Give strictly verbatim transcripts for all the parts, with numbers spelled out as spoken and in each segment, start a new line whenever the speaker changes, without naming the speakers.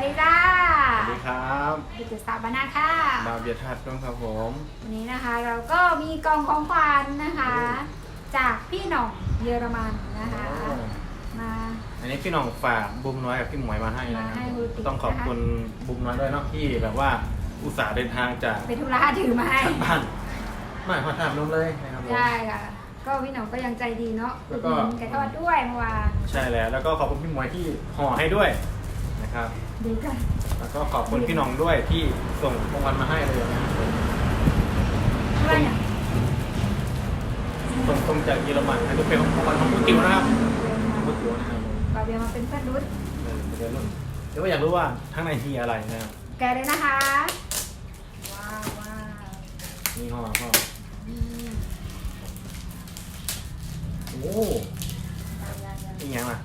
ดีจ้า
สวัสดีครับ
ดิจิตสถาปนาค่ะ
ดาวเบียร์ทัดต้องครับผม
วันนี้นะคะเราก็มีกล่องของขวัญนะคะ จากพี่หน่องเยอรมันนะคะมา
อันนี้พี่หน่องฝากบุ้มน้อยกับพี่หมวยมาให้นะครับต้องขอบคุณบุ้มน้อยด้วยเนาะที่แบบว่าอุตส่าห์เดินทางจาก
ไปธุระถือมาให้
บ้านไม่พอทำนุ่มเลยนะครับ
ใช่ค่ะก็พี่หน่องก็ยังใจดีเนาะแล้วก็ไก่ทอดด้วยเมื่อวาน
ใช่แล้วแล้วก็ขอบคุณพี่หมวยที่ห่อให้ด้วยนะครับ
ดีค่ะ
แล้วก็ขอบคุณพี่หน่องด้วยที่ส่งของขวัญมาให้เลยนะ
อะไรเนี่ย
ส่งตรงจากเยอรมันให้ดูเป็นของขวัญของผู้ติวนะครับผู้ติวนะครับ
บาเบียมาเป็นเพื่อนรุ่น
เดี๋ยวรุ่นเดี๋ยวอยากรู้ว่าข้างในมีอะไรนะครับ
แกเลยนะคะว้าวว้าว
นี่ห่อห่อโอ้ยยังล่ะ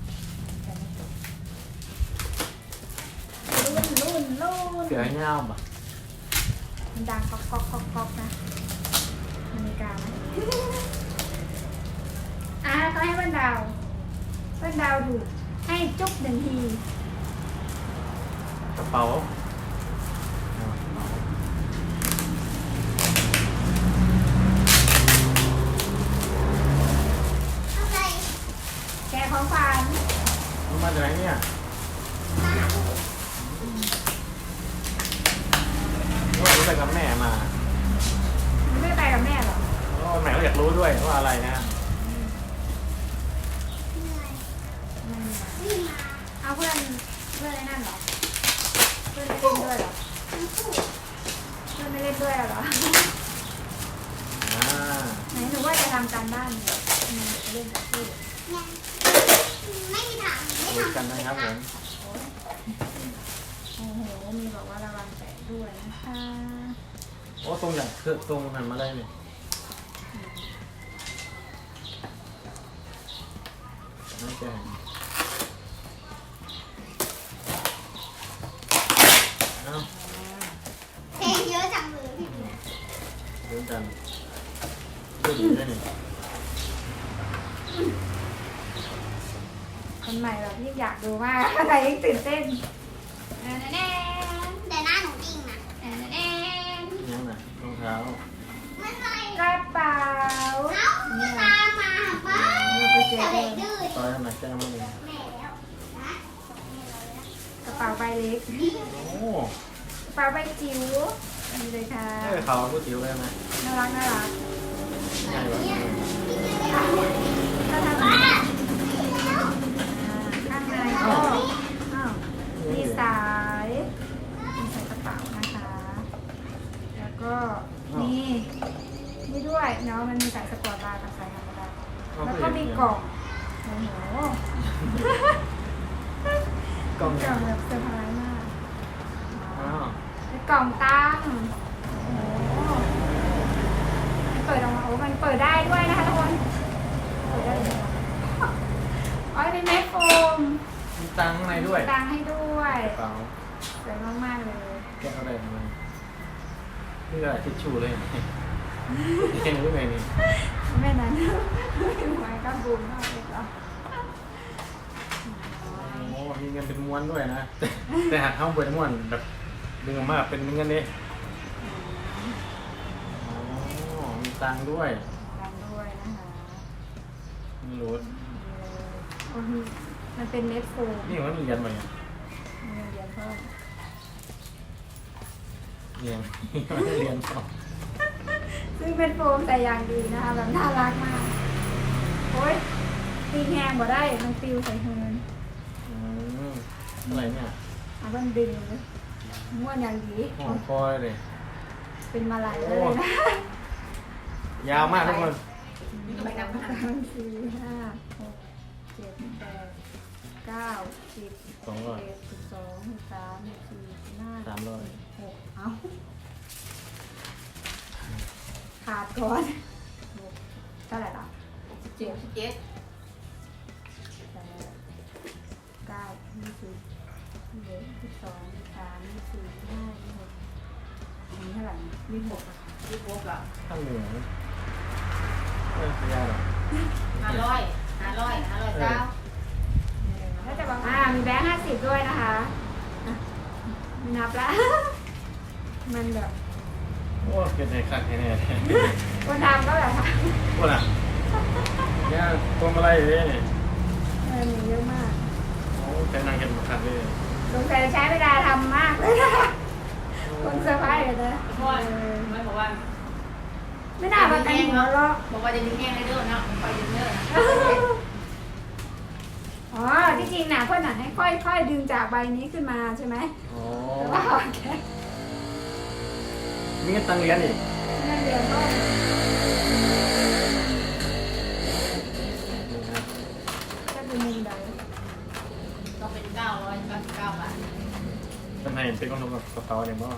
รุ่นรุ่นรุ่น
เสือเงาป่ะ
มันดังก๊อกก๊อกก๊อกก๊อกนะนาฬิกาไหมอ่ะเขาให้วันดาววันดาวดูให้จุ๊บหนึ่งที
กระเป๋า
แกของฝัน
มันมาจากไหนเนี่ยว่ารู้ไปกับแม่มา
ไม่ไปกับแม่หรอ
โอ้แม่ก็อยากรู้ด้วยว่าอะไรนะ
เอาเพื่อนเพื่อนนั่นหรอเพื่อนไม่เล่นด้วยหรอเพื่อนไม่เล่นด้วยหรอไหนหนูว่าจะทำการบ้านเล่นกับพี่
ไม่มีทางไม่ทำ
กันนะครับผม
โอ้โหมีบอกว่าระวังแตะด้วยนะคะ
โอ้ตรงอย่างคือตรงหันมาเลยเนี่ยน่าจะเอ้า
เพลงเยอะจังเลยพี่
เรื่องกันเรื่องนี้ได้เนี่ย
คนใหม่แบบที่อยากดูมากอะไรยิ่งตื่นเต้นแน่แน่
แต่หน้าหนูจริงนะ
แน่แน่
ยังน่ะรองเท้า
ไม่ใช่
กระเป๋า
เอ้าตามมาบ้าแต่เด็กดื้อ
ตอนนั้นแจ้งมาเลย
แม่แล้วนะ
กระเป๋าใบเล็ก
โอ้
กระเป๋าใบจิ๋วนี่เลยค่ะ
เออเขาผู้จิ๋วเลยไหม
น่ารักน่ารัก
ง่ายแบบนี้
ก็ทำข้างในก็มีสายมีสายกระเป๋านะคะแล้วก็นี่นี่ด้วยเนาะมันมีสายสปอร์ตบาร์กับสายธรรมดาแล้วก็มีกล่องโอ้โหกล่องแบบเซอร์ไพรส์มากเป็นกล่องตั้งโอ้เปิดออกมาโอ้มันเปิดได้ด้วยนะคะทุกคนเปิดได้เลยอ๋อเป็นแม็กโฟม
มีตังข้างในด้วย
ตังให้ด้วย
กระเป๋า
สวยมากๆเลย
แกะอะไรมานี่ก็ทิชชู่เลยแค่นี้ไงนี่
แม่นั้นหวยก็บูมมากเลยเหรอ
โอ้มีเงินเป็นม้วนด้วยนะแต่หากเข้าไปม้วนแบบดึงออกมาเป็นเงินนี่อ๋อมีตังด้วย
ตังด้วยนะคะ
ไม่รู้
มันเป็นเน็ตโฟม
นี่มันเรียนมาเนี่ย
เรียนเพิ่ม
เรียนไม่เรียนต่อ
ซึ่งเป็นโฟมแต่อย่างดีนะคะแบบน่ารักมากโอ้ยตีแหงบ่ได้มันฟิวใส่เฮิน
อืมอะไรเนี่ย
อ่ะมันดึงเลยม้วนอย่างดี
หอมคอยเลย
เป็นมาลายเลยนะ
ยาวมากทุกคน
ไปนับสามสี่ห้าหกเจ็ดแปดเก้าสิบสองร้อยสิบสองสิบสามสิบสี่สิบห้า
สามร้อย
หกเอ้าขาดก่อนเท่าไหร่ล่ะสิบเจ็ดสิบเจ็ดแปดเก้ายี่สิบเอ็ดสิบสองสิบสามสิบสี่สิบห้าสิบหกอันนี้เท่าไหร่ยี่สิบหกยี่สิบหกอ่ะ
ข้างเหนือไม่ขยายหรอ
ห้าร้อยห้าร้อยห้าร้อยเก้า
แล้วจะบอกอ่ามีแบงค์ห้าสิบด้วยนะคะไม่นับละ มันแบบ
โอ้เกิดในขั้นแน่ๆ
คนทำก็แบบ
พวกน่ะเนี่ยพวงมาลัยเลยนี่
เออเยอะมาก
โอ้ใช้นางเห็นมาคันเลย
สงสัยใช้เวลาทำมากเลยนะคนเซอร์ไพรส์เลยนะ
เพราะว่าไม่บอกว่า
ไม่น่ามากันหัวเราะ
บอกว่าจะดึงแห้งได้เด้อเนาะไปดึงเด้อนะ
อ๋อที่จริงน่ะเพื่อนน่ะให้ค่อยๆดึงจากใบนี้ขึ้นมาใช่ไหม
อ๋อ
แต่ว่าโอเค
มีเงินตังเรียนอีก
นั่นเรียนก็
นี่นะ
จะเป็นมุมใด
ต้องเป็นเก้าร้อยเก้าสิบเก้าบาท
เป็นไงเป็นคนทำกับกระเป๋าเนี่ยบ่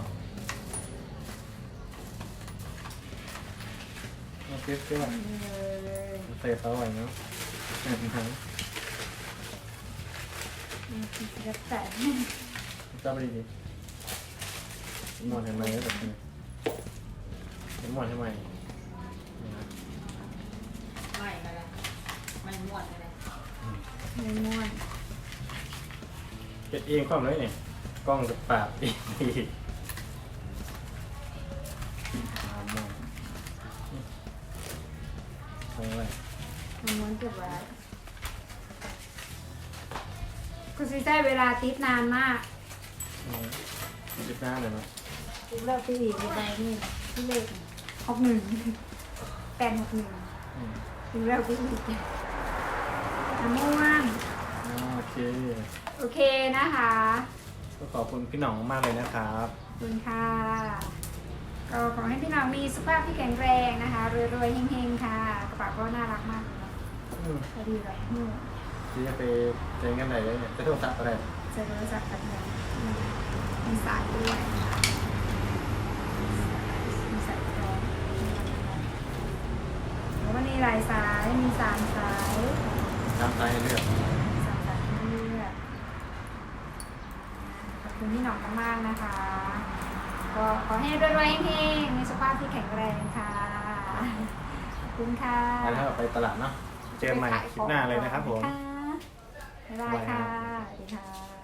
โอเคเพื่อน
เออ
ใส่กระเป๋าไว้เนาะ
จะแตะ
จับไปดีๆหมอนทำไมแบบนี้หมอนทำไมนี่นะ
ไม่ก็ได้ไม่ม้วนก็ได้
ไม่ม่วน
เก็บเองความเลยเนี่ยกล้องจะปราบอีกทีอ่ามองเอาไว้
ไม่ม่วนเก็บไว้กูซีใช้เวลาติดนานมาก
อืมจิบหน้าเลยมั้ย
ติดเลิกที่อีกใบนี่ที่เลขหกหนึ่งแปดหกหนึ่ง
อืม
ติดเลิกที่อีกน้ำม่วน
อ่าโอเค
โอเคนะคะ
ก็ขอบคุณพี่หน่องมากเลยนะครับ
ขอบคุณค่ะก็ขอให้พี่น้องมีสุขภาพที่แข็งแรงนะคะรวยๆเฮงๆค่ะกระเป๋าก็น่ารักมากเลยเนาะ
อืม
พอดีเลยนู่น
ที่จะไปเจอกันไหนเลยเนี่ยจะโทรศัพท์อะไร
เจอโทรศัพท์แบบนี้มีสายด้วยนะคะมีสายรองแล้วก็มีหลายสายมีสามสาย
ตามใจให้เลือก
มีสามสายให้เลือกขอบคุณพี่หน่องมากๆนะคะก็ขอให้รวยๆเฮงๆมีสุขภาพที่แข็งแรงค่ะขอบคุณค่ะ
ไปแล้วไปตลาดเนาะเจอกันใหม่คลิปหน้าเลยนะครับผม
บ๊ายบายค่ะ สวัสดีค่ะ